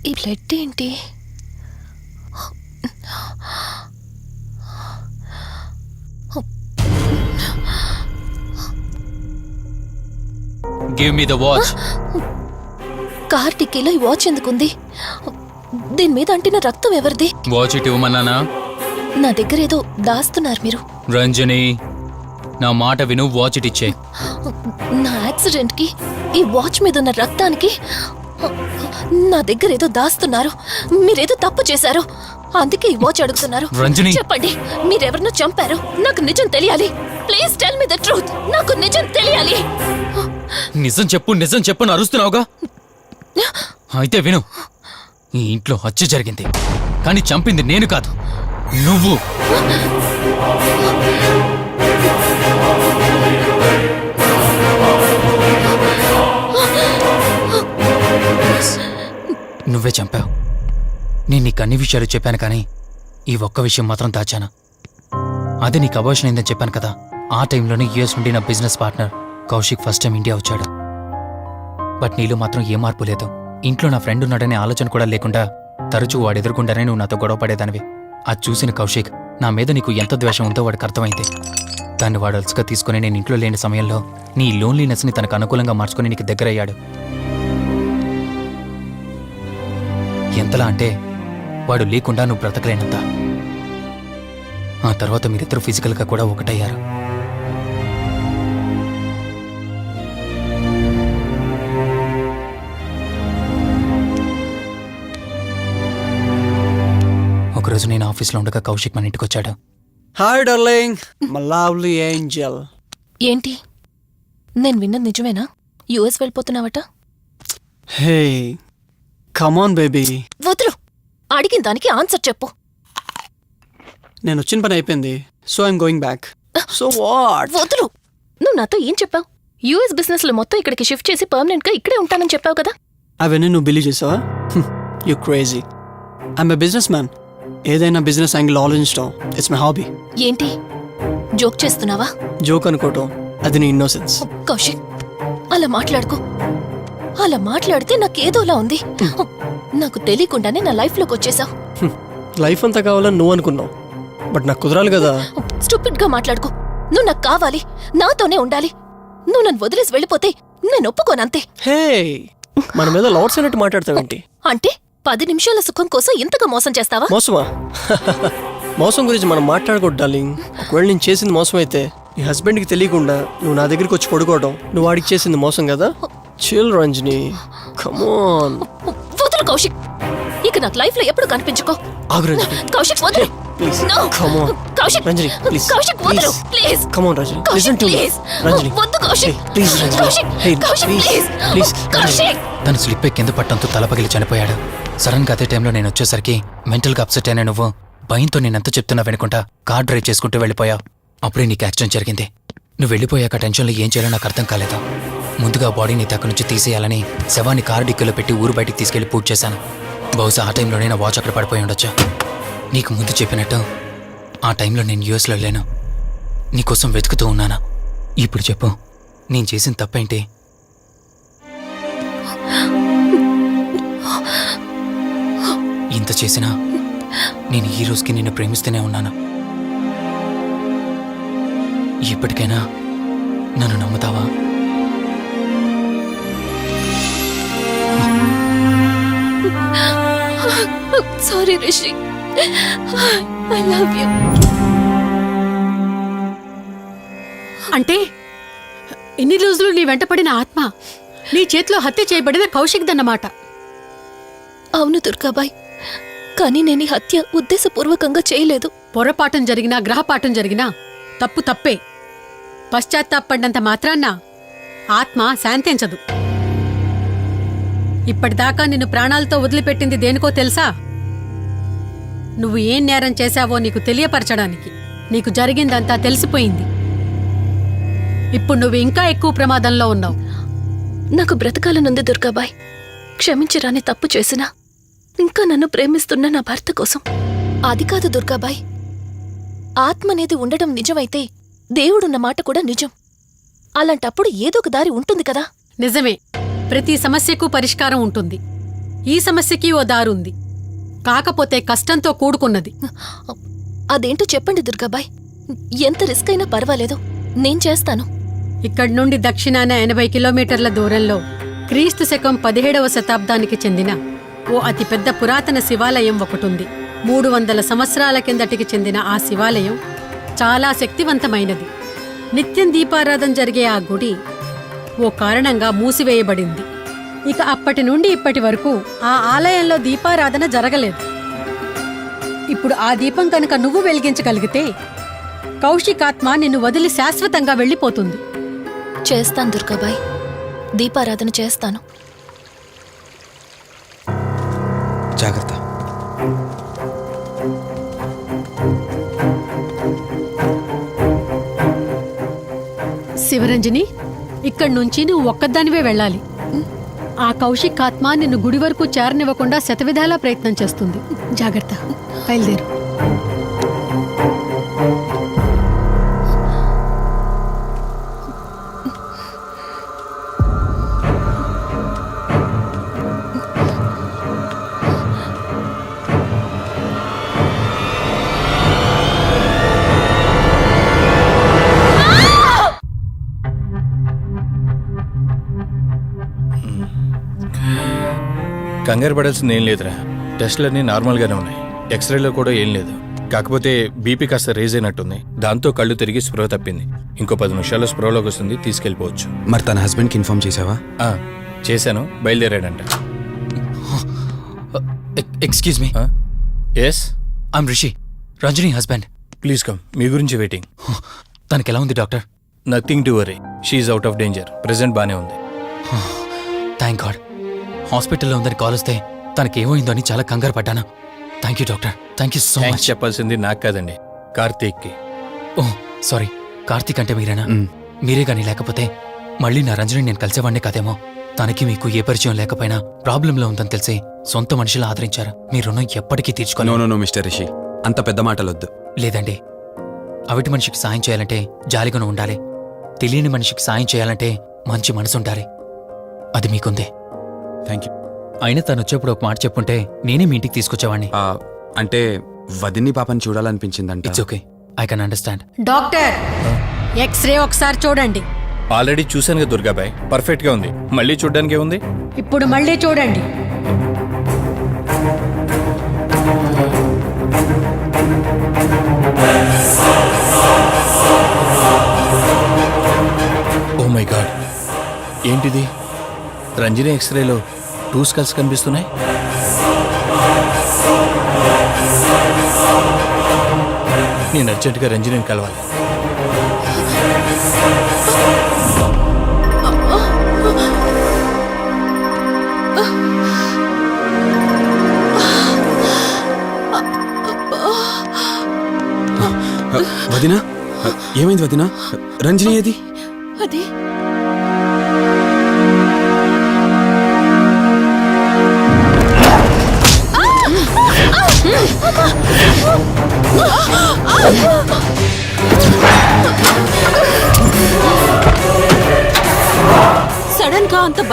ఈ బ్లడ్ ఏంటి? Give me the watch. Car టిక్కీలో ఈ వాచ్ ఎందుకుంది? దీని మీద అంటిన రక్తం ఎవరిది? వాచ్ ఇటు ఇవ్వమన్నానా? నా దగ్గర ఏదో దాస్తున్నారు మీరు. రంజని, నా మాట విను, వాచ్ ఇటు ఇచ్చే. నా యాక్సిడెంట్ కి ఈ వాచ్ మీద ఉన్న రక్తానికి నా దగ్గర ఏదో దాస్తున్నారు. మీరేదో తప్పు చేశారు, అందుకే ఈ వాచ్ అడుగుతున్నారు. రంజని, చెప్పండి, మీరెవరినో చంపారు. నాకు నిజం తెలియాలి. Please tell me the truth. నాకు నిజం తెలియాలి. నిజం చెప్పు, నిజం చెప్పు అని అరుస్తున్నావుగా. అయితే విను, ఈ ఇంట్లో హత్య జరిగింది, కానీ చంపింది నేను కాదు, నువ్వు. నువ్వే చంపావు. నేను నీకు అన్ని విషయాలు చెప్పాను, కానీ ఈ ఒక్క విషయం మాత్రం దాచాను. అది నీకు అబార్షన్ అయిందని చెప్పాను కదా. ఆ టైంలోనే యూఎస్ నుండి నా business partner Kaushik first time India వచ్చాడు. బట్ నీలో మాత్రం ఏ మార్పు లేదు. ఇంట్లో నా ఫ్రెండ్ ఉన్నాడనే ఆలోచన కూడా లేకుండా తరచూ వాడు ఎదుర్కొంటానే నువ్వు నాతో గొడవ పడేదానివి. అది చూసిన కౌశిక్ నా మీద నీకు ఎంత ద్వేషం ఉందో వాడికి అర్థమైంది. దాన్ని వాడు అలసిగా తీసుకుని నేను ఇంట్లో లేని సమయంలో నీ లోన్లీనెస్ని తనకు అనుకూలంగా మార్చుకుని నీకు దగ్గరయ్యాడు. ఎంతలా అంటే వాడు లేకుండా నువ్వు బ్రతకలేనంత. ఆ తర్వాత మీరిద్దరూ ఫిజికల్గా కూడా ఒకటయ్యారు. ఒకరోజు నేను ఆఫీస్లో ఉండగా కౌశిక్ మన ఇంటికి వచ్చాడు. Hi darling, my lovely angel. ఏంటి, నేను విన్నది నిజమేనా? యుఎస్ వెళ్ళిపోతున్నావట? Hey come on baby. వదులు, అడిగిన దానికి ఆన్సర్ చెప్పు. నేను వచ్చిన పని అయిపోయింది, so I'm going back. So what? వదులు. నువ్వు నాతో ఏం చెప్పావు? యుఎస్ బిజినెస్ లో మొత్తం ఇక్కడికి షిఫ్ట్ చేసి పర్మనెంట్ గా ఇక్కడే ఉంటానని చెప్పావు కదా. అవన్నీ నువ్వు బిలీవ్ చేసావా? You crazy. I'm a businessman. ఏదైనా బిజినెస్ యాంగిల్ ఆలోచించడం ఇట్స్ మై హాబీ. ఏంటి, జోక్ చేస్తున్నావా? జోక్ అనుకోవటం అది నీ ఇన్నోసెన్స్. కౌశిక్, అలా మాట్లాడుకో. అలా మాట్లాడితే నాకేదోలా ఉంది. నాకు తెలియకుండానే నా లైఫ్ లోకి వచ్చేసావు. లైఫ్ అంతా కావాలని నువ్వు అనుకున్నావు, బట్ నాకు కుదరాలి కదా. స్టూపిడ్ గా మాట్లాడుకో. నువ్వు నాకు కావాలి, నాతోనే ఉండాలి. నువ్వు నన్ను వదిలేసి వెళ్ళిపోతే నేను ఒప్పుకోనంతే. హే, మన మీద లవర్స్ అన్నట్టు మాట్లాడతావేంటి? అంటే 10 నిమిషాల సుఖం కోసం ఇంతగా మోసం చేస్తావా? మోసమా? మోసం గురించి మనం మాట్లాడకూడదు డార్లింగ్. ఒకవేళ నేను చేసింది మోసం అయితే నీ హస్బెండ్కి తెలియకుండా నువ్వు నా దగ్గరికి వచ్చి పడుకోవడం నువ్వు వాడికి చేసింది మోసం కదా. Chill Ranjani, come on. వదులు కౌశిక్, ఇక నాకు లైఫ్ లో ఎప్పుడు కనిపించుకో. ఆగు రంజని. కౌశిక్ వదులు. Please No. Come on. Kaushik, Ranjani please. Kaushik వదులు please. Come on Ranjani, Kaushik listen to me. Please. Ranjani వద్దు Kaushik. Please Ranjani. Kaushik, hey Kaushik please please. Please. Kaushik. తను స్లిప్ అయి కింద పట్టడంతో తల పగిలి చనిపోయాడు. సడన్ గా అదే టైంలో నేను వచ్చేసరికి మెంటల్గా అప్సెట్ అయినా నువ్వు భయంతో నేనెంత చెప్తున్నా వినకుండా కార్ డ్రైవ్ చేసుకుంటూ వెళ్ళిపోయావు. అప్పుడే నీకు యాక్సిడెంట్ జరిగింది. నువ్వు వెళ్ళిపోయాక టెన్షన్లో ఏం చేయాలో నాకు అర్థం కాలేదు. ముందుగా బాడీని అక్కడి నుంచి తీసేయాలని శవాన్ని కారు డిక్కీలో పెట్టి ఊరు బయటికి తీసుకెళ్లి పూజ చేశాను. బహుశా ఆ టైంలోనే నా వాచ్ అక్కడ పడిపోయి ఉండొచ్చు. నీకు ముందు చెప్పినట్టు ఆ టైంలో నేను యూఎస్లో లేను, నీకోసం వెతుకుతూ ఉన్నాను. ఇప్పుడు చెప్పు, నేను చేసిన తప్పేంటి? ఇంత చేసినా నేను ఈ రోజుకి నిన్ను ప్రేమిస్తూనే ఉన్నాను. ఇప్పటికైనా నన్ను నమ్ముతావా? Sorry Rishi, I love you. అంటే ఇన్ని రోజులు నీ వెంటపడిన ఆత్మ నీ చేతిలో హత్య చేయబడిన కౌశిక్ దన్నమాట. అవును దుర్గాబాయ్, కానీ నేను ఈ హత్య ఉద్దేశపూర్వకంగా చేయలేదు. పొరపాఠం జరిగినా గ్రహపాఠం జరిగినా తప్పు తప్పే. పశ్చాత్తాపడినంత మాత్రాన్న ఆత్మ శాంతించదు. ఇప్పటిదాకా నిన్ను ప్రాణాలతో వదిలిపెట్టింది దేనికో తెలుసా? నువ్వు ఏం నేరం చేశావో నీకు తెలియపరచడానికి. నీకు జరిగిందంతా తెలిసిపోయింది. ఇప్పుడు నువ్వు ఇంకా ఎక్కువ ప్రమాదంలో ఉన్నావు. నాకు బ్రతకాలనుంది దుర్గాబాయ్. క్షమించరాని తప్పు చేసినా ఇంకా నన్ను ప్రేమిస్తున్న నా భర్త కోసం. అది కాదు దుర్గాబాయ్, ఆత్మ అనేది ఉండడం నిజమైతే దేవుడున్న మాట కూడా నిజం. అలాంటప్పుడు ఏదో ఒక దారి ఉంటుంది కదా. నిజమే, ప్రతి సమస్యకు పరిష్కారం ఉంటుంది. ఈ సమస్యకి ఓ దారుంది, కాకపోతే కష్టంతో కూడుకున్నది. అదేంటో చెప్పండి దుర్గాబాయ్. ఎంత రిస్క్ అయినా పర్వాలేదు, నేను చేస్తాను. ఇక్కడి నుండి దక్షిణాన 80 కిలోమీటర్ల దూరంలో క్రీస్తు శకం 17వ శతాబ్దానికి చెందిన ఓ అతిపెద్ద పురాతన శివాలయం ఒకటుంది. 300 సంవత్సరాల కిందటికి చెందిన ఆ శివాలయం చాలా శక్తివంతమైనది. నిత్యం దీపారాధన జరిగే ఆ గుడి ఓ కారణంగా మూసివేయబడింది. ఇక అప్పటి నుండి ఇప్పటి వరకు ఆ ఆలయంలో దీపారాధన జరగలేదు. ఇప్పుడు ఆ దీపం కనుక నువ్వు వెలిగించగలిగితే కౌశికాత్మ నిన్ను వదిలి శాశ్వతంగా వెళ్ళిపోతుంది. చేస్తాను దుర్గాబాయ్, దీపారాధన చేస్తాను. జాగ్రత్త. శివరంజని, ఇక్కడి నుంచి నువ్వు ఒక్కదానివే వెళ్ళాలి. ఆ కౌశికాత్మ నిన్ను గుడి వరకు చేరనివ్వకుండా శతవిధాలా ప్రయత్నం చేస్తుంది. జాగ్రత్త, బయలుదేరు. కంగారు పడాల్సింది ఏం లేదురా. టెస్టులన్నీ నార్మల్గానే ఉన్నాయి. ఎక్స్రేలో కూడా ఏం లేదు. కాకపోతే బీపీ కాస్త రేజ్ అయినట్టుంది. దాంతో కళ్ళు తిరిగి స్పృహ తప్పింది. ఇంకో 10 నిమిషాల్లో స్పృహలోకి వస్తుంది, తీసుకెళ్ళిపోవచ్చు. మరి తన హస్బెండ్కి ఇన్ఫార్మ్ చేసావా? చేశాను, బయలుదేరాడంట. Excuse me. Yes, I'm Rishi, Ranjani husband. Please come. మీ గురించి వెయిటింగ్. తనకి ఎలా ఉంది doctor? Nothing to worry. She's out of danger. Present బానే ఉంది. Thank God. హాస్పిటల్లో ఉందని కాల్ వస్తే తనకేమైందో అని చాలా కంగారు పడ్డాను. Thank you doctor, thank you so thanks much. చెప్పాల్సింది నాకు కాదండి, కార్తీక్కి. ఓ సారీ, కార్తీక్ అంటే మీరేనా? మీరే గానీ లేకపోతే మళ్ళీ నా రంజని నేను కలిసేవాడినే కాదేమో. తనకి మీకు ఏ పరిచయం లేకపోయినా ప్రాబ్లంలో ఉందని తెలిసి సొంత మనుషులు ఆదరించారు. మీ రుణం ఎప్పటికీ నో తీర్చుకోను. నో నో మిస్టర్ రిషి, అంత పెద్ద మాటలొద్దు. లేదండి, అవిటి మనిషికి సాయం చేయాలంటే జాలిగుణం ఉండాలి. తెలియని మనిషికి సాయం చేయాలంటే మంచి మనసు ఉండాలి. అది మీకుందే. Thank you. అయినా తను వచ్చేప్పుడు ఒక మాట చెప్పుంటే నేనే మీ ఇంటికి తీసుకొచ్చేవాడిని. అంటే వదిన్ని పాపని చూడాలనిపించిందంట. It's okay, I can understand. Doctor, x-ray ఒకసారి చూడండి. ఆల్రెడీ చూశాను కదా దుర్గాబాయ్, పర్ఫెక్ట్ గా ఉంది. మళ్ళీ చూడ్డానికి ఏముంది? ఇప్పుడు మళ్ళీ చూడండి. ఓ మై గాడ్, ఏంటిది? రంజని ఎక్స్రేలో 2 స్కల్స్ కనిపిస్తున్నాయి. నేను అర్జెంటుగా రంజనిని కలవాలి. వదినా, ఏమైంది వదినా? రంజని ఏది? అది సడన్ గా అంత